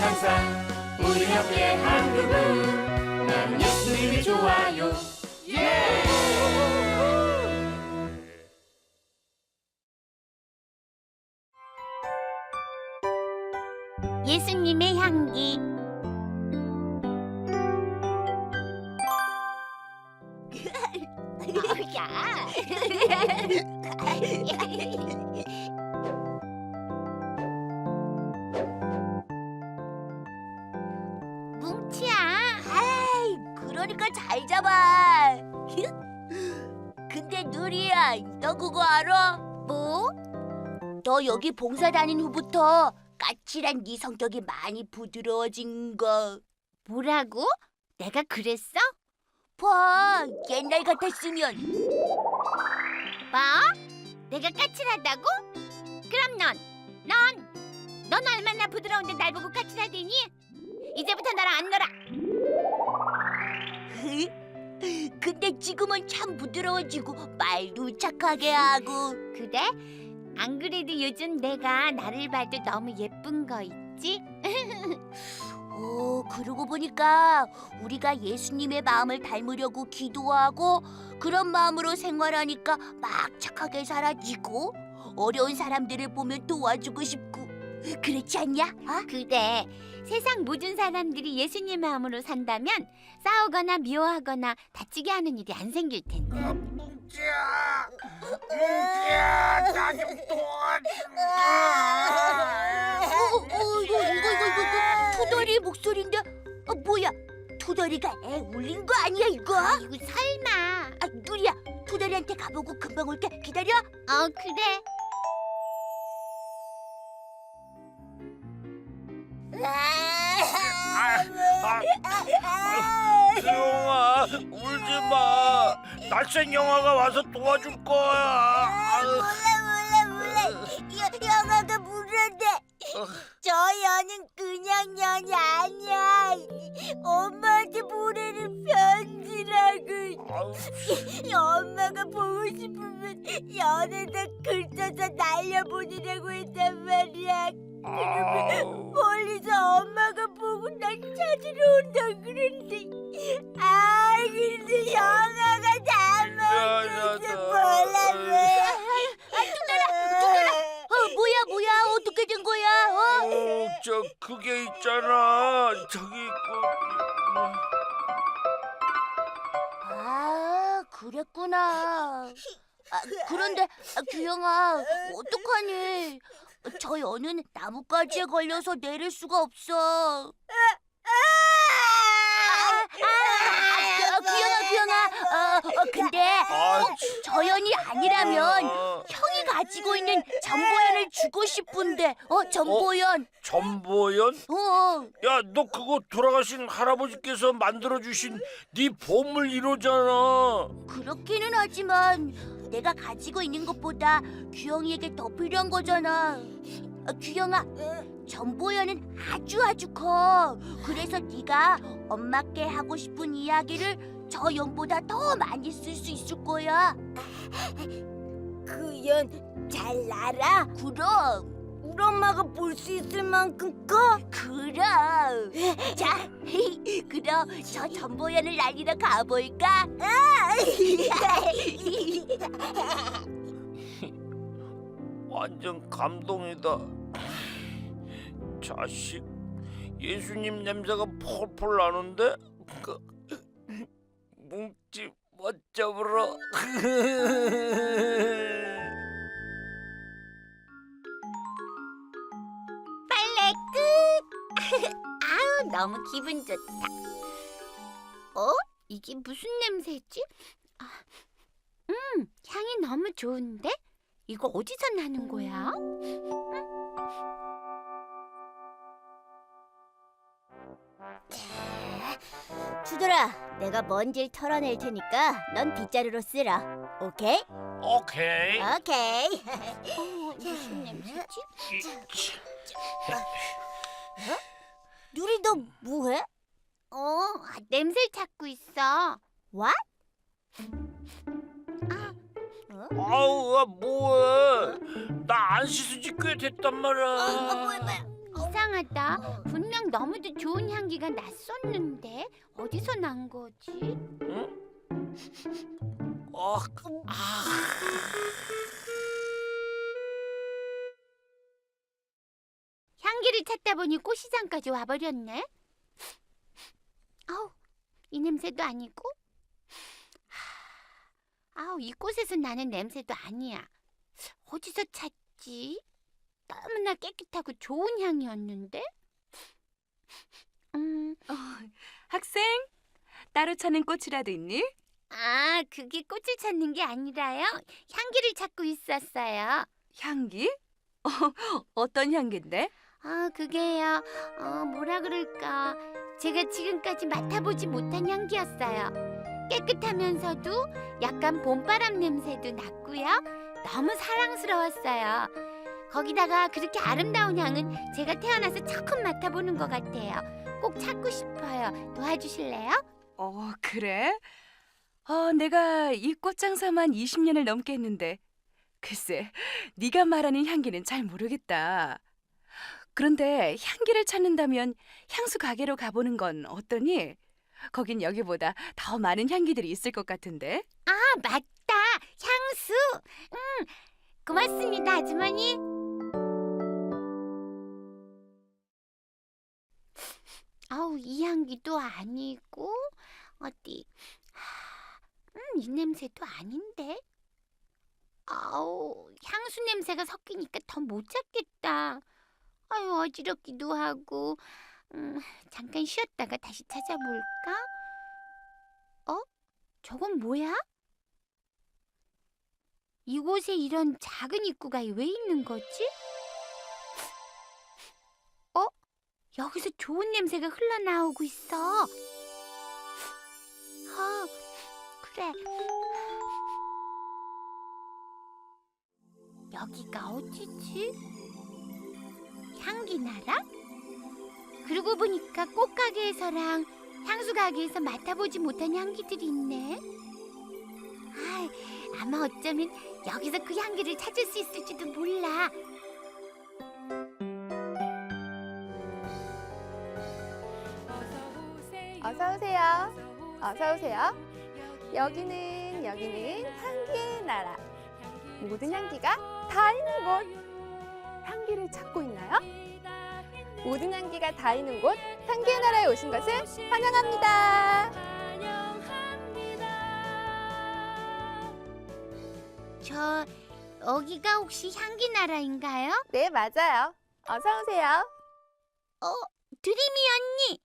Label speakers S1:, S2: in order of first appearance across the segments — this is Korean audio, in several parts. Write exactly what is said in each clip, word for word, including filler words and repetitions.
S1: 천사 우리 함께 한 그분 나는 예수님이 좋아요. 예!
S2: 예수님의 향기. 야. 뭉치야.
S3: 아이, 그러니까 잘 잡아. 근데 누리야, 너 그거 알아?
S2: 뭐?
S3: 너 여기 봉사 다닌 후부터 까칠한 네 성격이 많이 부드러워진 거.
S2: 뭐라고? 내가 그랬어?
S3: 봐, 옛날 같았으면.
S2: 뭐? 내가 까칠하다고? 그럼 넌, 넌, 넌 얼마나 부드러운데 날 보고 까칠하대니? 이제부터 나랑 안 놀아.
S3: 근데 지금은 참 부드러워지고 말도 착하게 하고.
S2: 그래? 안 그래도 요즘 내가 나를 봐도 너무 예쁜 거 있지?
S3: 오, 그러고 보니까 우리가 예수님의 마음을 닮으려고 기도하고 그런 마음으로 생활하니까 막 착하게 살아지고 어려운 사람들을 보면 도와주고 싶고 그렇지 않냐? 어?
S2: 그래. 세상 모든 사람들이 예수님 마음으로 산다면 싸우거나 미워하거나 다치게 하는 일이 안 생길 텐데.
S4: 뭉치야, 뭉치야, 나 좀 도와줘.
S3: 어, 어, 이거, 이거, 이거, 이거, 이거 투덜이 목소리인데 어, 뭐야? 투덜이가 애 울린 거 아니야 이거?
S2: 이거 설마.
S3: 아, 누리야, 투덜이한테 가보고 금방 올게. 기다려.
S2: 어, 그래.
S4: 아, 아, 수영아, 울지 마. 낯선 영화가 와서 도와줄 거야. 아유.
S3: 몰라 몰라 몰라. 영화가 무료인데 저 연은 그냥 연이 아니야. 엄마한테 보내는 편지라고.
S4: 아유.
S3: 엄마가 보고 싶으면 연에다 글 써서 날려보내라고 했단 말이야.
S4: 아우.
S3: 멀리서 엄마가 보고 날 찾으러 온다 그랬는데 아 근데 영화가 다 먹혀서 몰라 몰라. 아 뚜따라 뚜따라. 어 뭐야 뭐야 어떻게 된 거야? 어?
S4: 어, 저 그게 있잖아. 저기 그.
S3: 아 그랬구나. 아, 그런데 아, 규영아 어떡하니? 저 연은 나뭇가지에 걸려서 내릴 수가 없어. 아, 아, 아, 규영아, 규영아. 어, 어, 근데
S4: 아,
S3: 꼭 저 연이 아니라면
S4: 어,
S3: 형이 가지고 있는 전보연을 주고 싶은데. 어, 전보연.
S4: 전보연?
S3: 어,
S4: 야, 너 그거 돌아가신 할아버지께서 만들어 주신 네 보물 일 호잖아.
S3: 그렇기는 하지만 내가 가지고 있는 것보다 규영이에게 더 필요한 거잖아. 어, 규영아, 전보연은 아주 아주 커. 그래서 네가 엄마께 하고 싶은 이야기를 저 연보다 더 많이 쓸 수 있을 거야. 그 연 잘 날아? 그럼. 우리 엄마가 볼 수 있을 만큼 커? 그럼. 자, 그럼 저 전보연을 날리러 가볼까?
S4: 완전 감동이다. 자식, 예수님 냄새가 폴폴 나는데? 그, 뭉치 멋 잡으러.
S2: 빨래 끝. 아우, 너무 기분 좋다. 어? 이게 무슨 냄새지? 아, 음, 향이 너무 좋은데? 이거 어디서 나는 거야?
S3: 주들아, 내가 먼지를 털어낼 테니까 넌 빗자루로 쓰라. 오케이?
S4: 오케이.
S3: 오케이.
S2: 어, 무슨 냄새지?
S3: 누리 너 뭐해?
S2: 어, 아, 냄새를 찾고 있어.
S3: What?
S4: 아우, 아, 뭐해? 나 안 씻은 지 꽤 됐단 말이야.
S3: 어, 뭐야, 뭐야.
S2: 이상하다. 분명 너무도 좋은 향기가 났었는데 어디서 난 거지?
S4: 어, 아,
S2: 향기를 찾다 보니 꽃시장까지 와버렸네. 아우, 이 냄새도 아니고, 하, 아우, 이 꽃에서 나는 냄새도 아니야. 어디서 찾지? 너무나 깨끗하고 좋은 향이었는데. 음,
S5: 어, 학생, 따로 찾는 꽃이라도 있니?
S2: 아, 그게 꽃을 찾는 게 아니라요. 향기를 찾고 있었어요.
S5: 향기? 어, 어떤 향기인데?
S2: 아, 그게요. 어, 뭐라 그럴까. 제가 지금까지 맡아보지 못한 향기였어요. 깨끗하면서도 약간 봄바람 냄새도 났고요. 너무 사랑스러웠어요. 거기다가 그렇게 아름다운 향은 제가 태어나서 처음 맡아보는 것 같아요. 꼭 찾고 싶어요. 도와주실래요?
S5: 어, 그래? 어, 내가 이 꽃장사만 이십 년을 넘게 했는데 글쎄, 네가 말하는 향기는 잘 모르겠다. 그런데 향기를 찾는다면 향수 가게로 가보는 건 어떠니? 거긴 여기보다 더 많은 향기들이 있을 것 같은데.
S2: 아, 맞다. 향수. 음, 고맙습니다, 아주머니. 아우, 이 향기도 아니고 어디. 하, 음, 이 냄새도 아닌데. 아우, 향수 냄새가 섞이니까 더 못 찾겠다. 아유, 어지럽기도 하고. 음, 잠깐 쉬었다가 다시 찾아볼까? 어? 저건 뭐야? 이곳에 이런 작은 입구가 왜 있는 거지? 어? 여기서 좋은 냄새가 흘러나오고 있어. 아, 그래. 여기가 어디지? 향기나라? 그러고 보니까 꽃가게에서랑 향수 가게에서 맡아보지 못한 향기들이 있네. 아, 아마 어쩌면 여기서 그 향기를 찾을 수 있을지도 몰라.
S6: 어서 오세요. 어서 오세요. 여기는 여기는 향기의 나라. 모든 향기가 다 있는 곳. 향기를 찾고 있나요? 모든 향기가 다 있는 곳 향기의 나라에 오신 것을 환영합니다.
S2: 저 여기가 혹시 향기 나라인가요?
S6: 네, 맞아요. 어서 오세요.
S2: 어, 드리미 언니.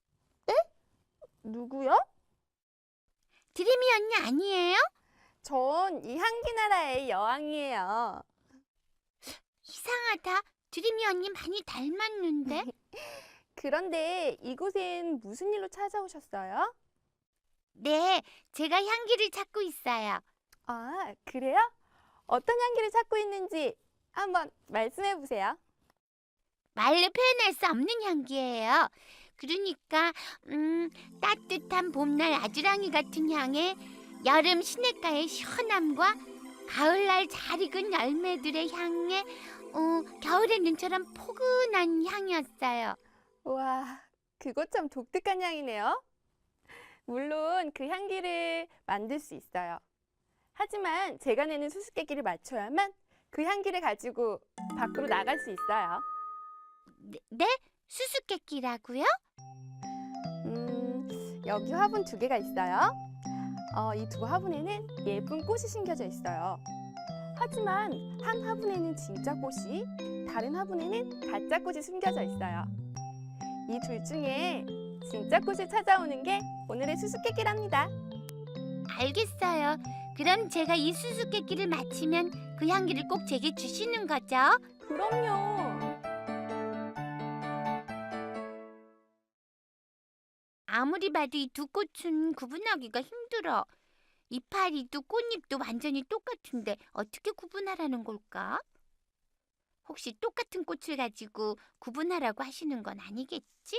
S6: 누구요?
S2: 드리미 언니 아니에요?
S6: 전 이 향기 나라의 여왕이에요.
S2: 이상하다. 드리미 언니 많이 닮았는데.
S6: 그런데 이곳엔 무슨 일로 찾아오셨어요?
S2: 네, 제가 향기를 찾고 있어요.
S6: 아, 그래요? 어떤 향기를 찾고 있는지 한번 말씀해 보세요.
S2: 말로 표현할 수 없는 향기예요. 그러니까 음, 따뜻한 봄날 아주랑이 같은 향에 여름 시냇가의 시원함과 가을날 잘 익은 열매들의 향에 어, 겨울의 눈처럼 포근한 향이었어요.
S6: 와, 그거 참 독특한 향이네요. 물론 그 향기를 만들 수 있어요. 하지만 제가 내는 수수께끼를 맞춰야만 그 향기를 가지고 밖으로 나갈 수 있어요.
S2: 네? 네? 수수께끼라고요?
S6: 음, 여기 화분 두 개가 있어요. 어, 이 두 화분에는 예쁜 꽃이 심겨져 있어요. 하지만 한 화분에는 진짜 꽃이, 다른 화분에는 가짜 꽃이 숨겨져 있어요. 이 둘 중에 진짜 꽃을 찾아오는 게 오늘의 수수께끼랍니다.
S2: 알겠어요. 그럼 제가 이 수수께끼를 맞히면 그 향기를 꼭 제게 주시는 거죠?
S6: 그럼요.
S2: 아무리 봐도 이 두 꽃은 구분하기가 힘들어. 이파리도 꽃잎도 완전히 똑같은데 어떻게 구분하라는 걸까? 혹시 똑같은 꽃을 가지고 구분하라고 하시는 건 아니겠지?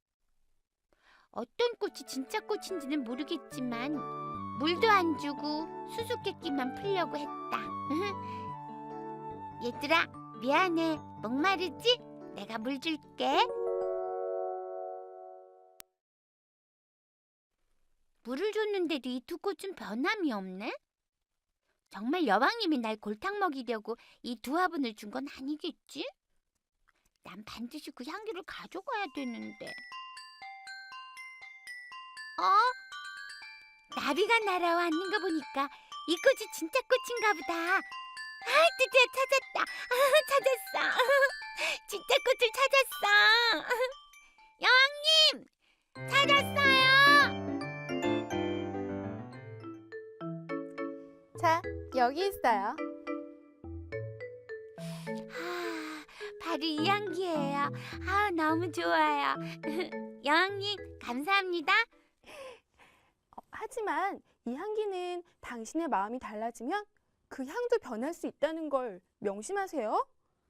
S2: 어떤 꽃이 진짜 꽃인지는 모르겠지만 물도 안 주고 수수께끼만 풀려고 했다. 얘들아, 미안해. 목마르지? 내가 물 줄게. 물을 줬는데도 이 두 꽃은 변함이 없네? 정말 여왕님이 날 골탕 먹이려고 이 두 화분을 준 건 아니겠지? 난 반드시 그 향기를 가져가야 되는데. 어? 나비가 날아와 앉는 거 보니까 이 꽃이 진짜 꽃인가 보다. 아, 드디어 찾았다. 아, 찾았어. 진짜 꽃을 찾았어. 여왕님, 찾았어요.
S6: 자, 여기 있어요.
S2: 아, 바로 이 향기예요. 아, 너무 좋아요. 여왕님, 감사합니다.
S6: 어, 하지만 이 향기는 당신의 마음이 달라지면 그 향도 변할 수 있다는 걸 명심하세요.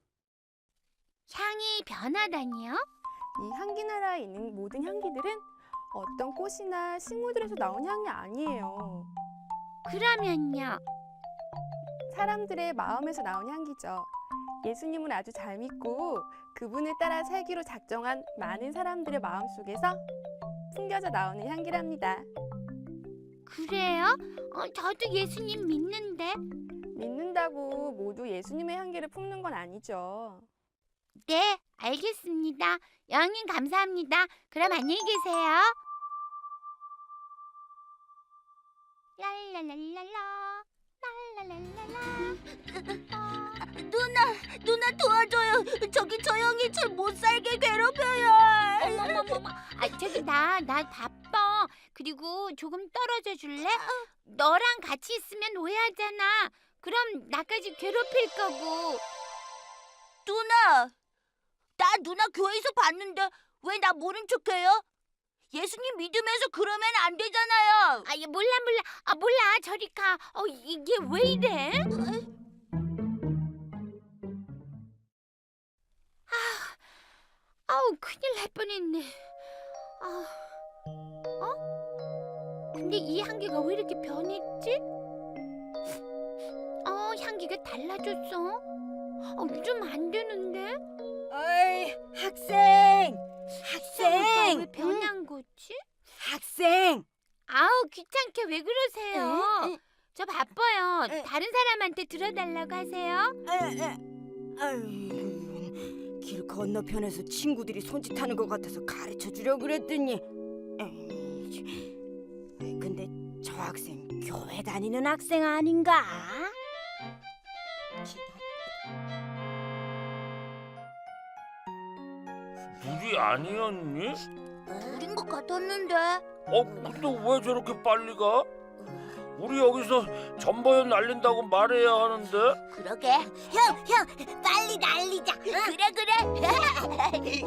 S2: 향이 변하다니요?
S6: 이 향기 나라에 있는 모든 향기들은 어떤 꽃이나 식물들에서 나온 향이 아니에요.
S2: 그러면요.
S6: 사람들의 마음에서 나온 향기죠. 예수님을 아주 잘 믿고 그분을 따라 살기로 작정한 많은 사람들의 마음 속에서 숨겨져 나오는 향기랍니다.
S2: 그래요? 어, 저도 예수님 믿는데.
S6: 믿는다고 모두 예수님의 향기를 품는 건 아니죠.
S2: 네, 알겠습니다. 여왕님 감사합니다. 그럼 안녕히 계세요. 랄랄랄랄라 랄랄랄랄라.
S3: 누나, 누나 도와줘요. 저기 저 형이 절 못 살게 괴롭혀요.
S2: 어머머머머. 아, 저기 나, 나 바빠. 그리고 조금 떨어져 줄래? 너랑 같이 있으면 오해하잖아. 그럼 나까지 괴롭힐 거고.
S3: 누나, 나 누나 교회에서 봤는데 왜 나 모른 척해요? 예수님 믿으면서 그러면 안 되잖아요.
S2: 아, 얘 몰라 몰라. 아, 몰라. 저리 가. 어, 이게 왜 이래? 아, 아우, 큰일 날 뻔했네. 아, 어? 근데 이 향기가 왜 이렇게 변했지? 어, 향기가 달라졌어. 어, 좀 안 되는데?
S7: 어이, 학생!
S2: 학생! 왜
S7: 학생!
S2: 변한 거지?
S7: 학생!
S2: 아우, 귀찮게 왜 그러세요?
S7: 응?
S2: 저 바빠요.
S7: 응.
S2: 다른 사람한테 들어달라고 하세요.
S7: 에, 에. 아유, 길 건너편에서 친구들이 손짓하는 것 같아서 가르쳐 주려고 그랬더니 에이, 근데 저 학생 교회 다니는 학생 아닌가?
S4: 물이 아니었니?
S3: 우린 것 같았는데.
S4: 어, 근데 왜 저렇게 빨리 가? 우리 여기서 전보연 날린다고 말해야 하는데.
S3: 그러게. 형, 형, 빨리 날리자. 그래, 그래.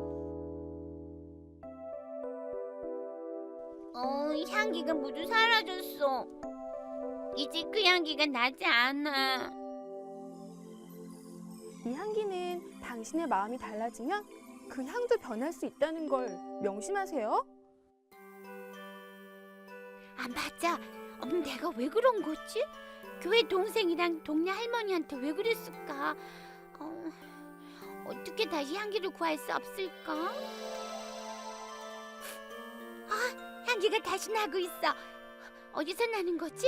S2: 어, 향기가 모두 사라졌어. 이제 그 향기가 나지 않아.
S6: 이 향기는 당신의 마음이 달라지면 그 향도 변할 수 있다는 걸 명심하세요.
S2: 아, 맞아. 어, 내가 왜 그런 거지? 교회 동생이랑 동네 할머니한테 왜 그랬을까? 어, 어떻게 다시 향기를 구할 수 없을까? 아, 향기가 다시 나고 있어. 어디서 나는 거지?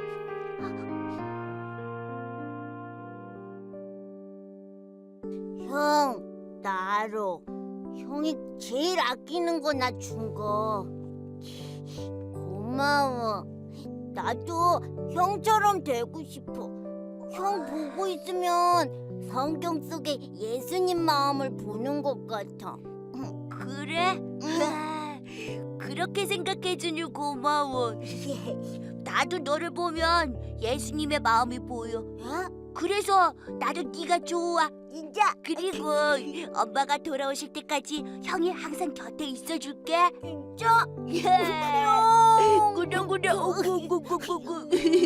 S3: 형, 나로. 형이 제일 아끼는 거 나 준 거. 고마워. 나도 형처럼 되고 싶어. 형 보고 있으면 성경 속에 예수님 마음을 보는 것 같아. 그래? 그렇게 생각해주니 고마워. 나도 너를 보면 예수님의 마음이 보여. 그래서 나도 네가 좋아. 진짜? 그리고 엄마가 돌아오실 때까지 형이 항상 곁에 있어줄게. 진짜? 형. 그래 그래. 오구구구구구.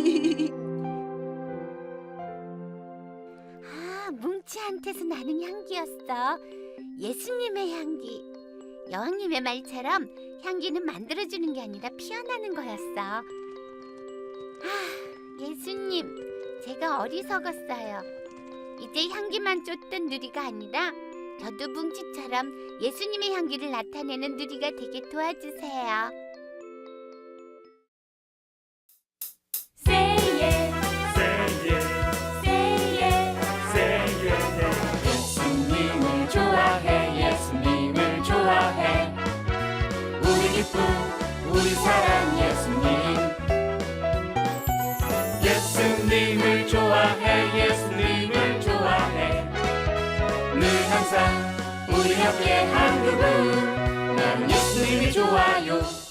S2: 아, 뭉치한테서 나는 향기였어. 예수님의 향기. 여왕님의 말처럼 향기는 만들어주는 게 아니라 피어나는 거였어. 아, 예수님, 제가 어리석었어요. 이제 향기만 쫓던 누리가 아니라 저도 뭉치처럼 예수님의 향기를 나타내는 누리가 되게 도와주세요.
S1: Say yes, say yes, say yes, say yes. 예수님을 좋아해, 예수님을 좋아해. 우리 기쁨, 우리 사랑 예수님. 예수님을 좋아해, 예수님을 좋아해. 늘 항상 우리 옆에 한 그분. 나는 예수님이 좋아요.